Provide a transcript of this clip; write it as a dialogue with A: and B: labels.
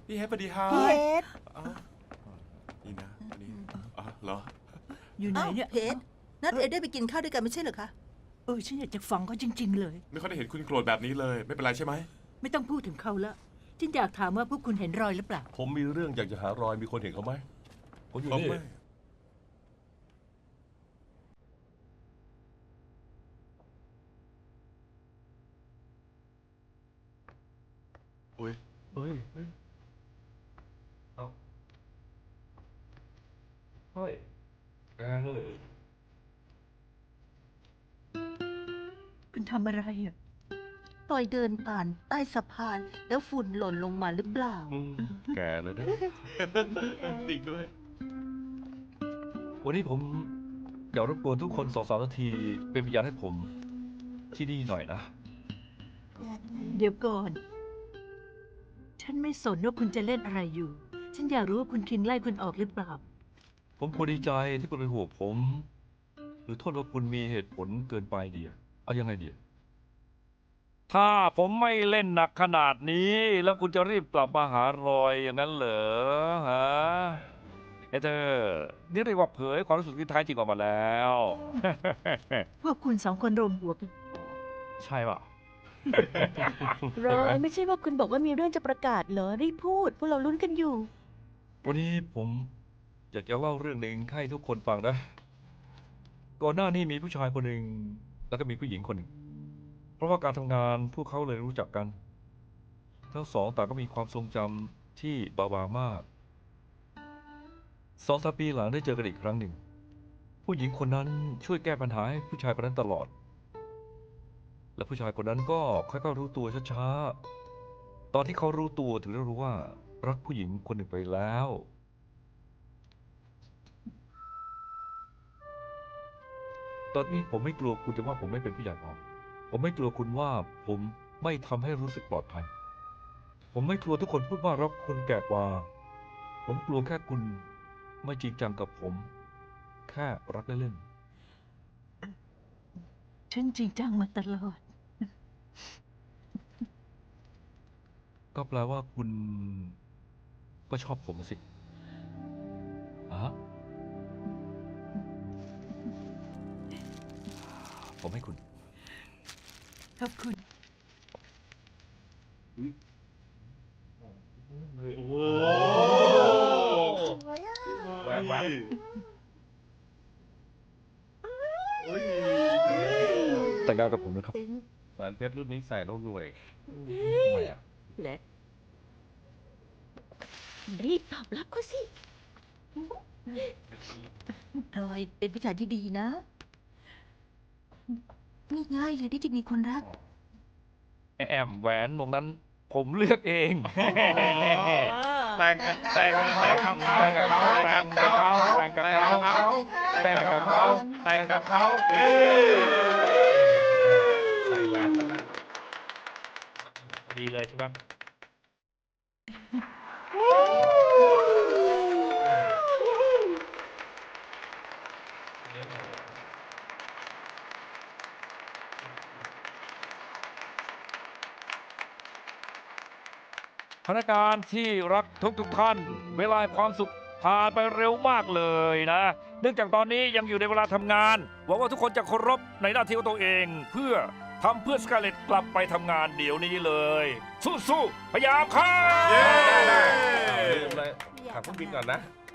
A: พี่เฮดสวัสดีครับ
B: พี่เฮด
A: อ๋อนี่นะอันนี้อ๋อเหรอ
C: อยู่ไหนเนี่ย
B: เพชรนัดเอได้ไปกินข้าวด้วยกันไม่ใช่เหรอคะ
C: ฉันอยากจะฟังเขาจริง ๆ เลย
A: ไม่ค่อยได้เห็นคุณโกรธแบบนี้เลย ไม่เป็นไรใช่ไหม
C: ไม่ต้องพูดถึงเขาละฉันอยากถามว่าพวกคุณเห็นรอยหรือเปล่า
D: ผมมีเรื่องอยากจะหารอยมีคนเห็นเขาไหมผมอยู่
A: เอา
D: นี่
A: ไม่อุ้ย
D: เฮ้ยเอาเฮ้ยแกเลย
C: คุณทำอะไรอ่ะ
B: ตอยเดินผ่านใต้สะพาน แล้วฝุ่นหล่นลงมาหรือเปล่า
D: แกเลยนะ
A: จริงด้วย
D: วันนี้ผมอยากรบกวนทุกคน2-3 นาที เป็นพยานให้ผมที่นี่หน่อยนะ
C: เดี๋ยวก่อน ฉันไม่สนว่าคุณจะเล่นอะไรอยู่ ฉันอยากรู้ว่าคุณคิงไล่คุณออกหรือเปล่า
D: ผมควรดีใจที่คุณเป็นห่วงผม หรือโทษว่าคุณมีเหตุผลเกินไปเดียเอายังไงเดียถ้าผมไม่เล่นหนักขนาดนี้ แล้วคุณจะรีบกลับมาหารอยอย่างนั้นเหรอฮะเธอนี่เรียกว่าเผยความรู้สึกที่แท้จริงออกมาแล้ว
C: พวกคุณ2 คนรวมหัวกัน
D: ใช่ป่ะ
E: รอยไม่ใช่ว่าคุณบอกว่ามีเรื่องจะประกาศเหรอรีบพูดพวกเราลุ้นกันอยู่
D: วันนี้ผมอยากจะเล่าเรื่องหนึ่งให้ทุกคนฟังนะ ก่อนหน้านี้มีผู้ชายคนหนึ่งแล้วก็มีผู้หญิงคนหนึ่ง เพราะว่าการทำงานพวกเขาเลยรู้จักกัน ทั้งสองต่างก็มีความทรงจำที่บางๆมาก2-3 ปีหลังได้เจอกันอีกครั้งหนึ่ง ผู้หญิงคนนั้นช่วยแก้ปัญหาให้ผู้ชายคนนั้นตลอด และผู้ชายคนนั้นก็ค่อยๆรู้ตัวช้าๆ ตอนที่เขารู้ตัวถึงได้รู้ว่ารักผู้หญิงคนหนึ่งไปแล้ว ตอนนี้ผมไม่กลัวคุณจะว่าผมไม่เป็นผู้ใหญ่พอ ผมไม่กลัวคุณว่าผมไม่ทำให้รู้สึกปลอดภัย ผมไม่กลัวทุกคนพูดว่ารักคุณแก่กว่า ผมกลัวแค่คุณไม่จริงจังกับผม แค่รักเล่น
C: ฉันจริงจังมาตลอด
D: ๆ ก็แปลว่าคุณก็ชอบผมสิผมให้คุณ
C: ขอบคุณ
D: แต่งงานกับผมนะครับ
A: แหวนเพชรรุ่นนี้ใส่แล้วรวย
D: ทำไมอ่ะ
E: และรีบตอบรับเขาสิ
B: รอยเป็นผู้ชายที่ดีนะง่ายๆเลยที่จะมีคนรัก
D: แอมแหวนวงนั้นผมเลือกเอง
A: แต่งกับเขาแต่งกับเขาแต่งกับเขาแต่งกับเขาแต่งกับเขาแต่งกับเขาดีเลยใช่ไหม
D: พนักงานที่รักทุกท่าน เวลาความสุขผ่านไปเร็วมากเลยนะ เนื่องจากตอนนี้ยังอยู่ในเวลาทำงาน หวังว่าทุกคนจะเคารพในหน้าที่ของตัวเอง เพื่อทำเพื่อสกาเลตกลับไปทำงานเดี๋ยวนี้เลย สู้ๆพยายามครับ
A: เย้
D: ได้
A: ลืมเลยขับเครื่องบินก่อนนะ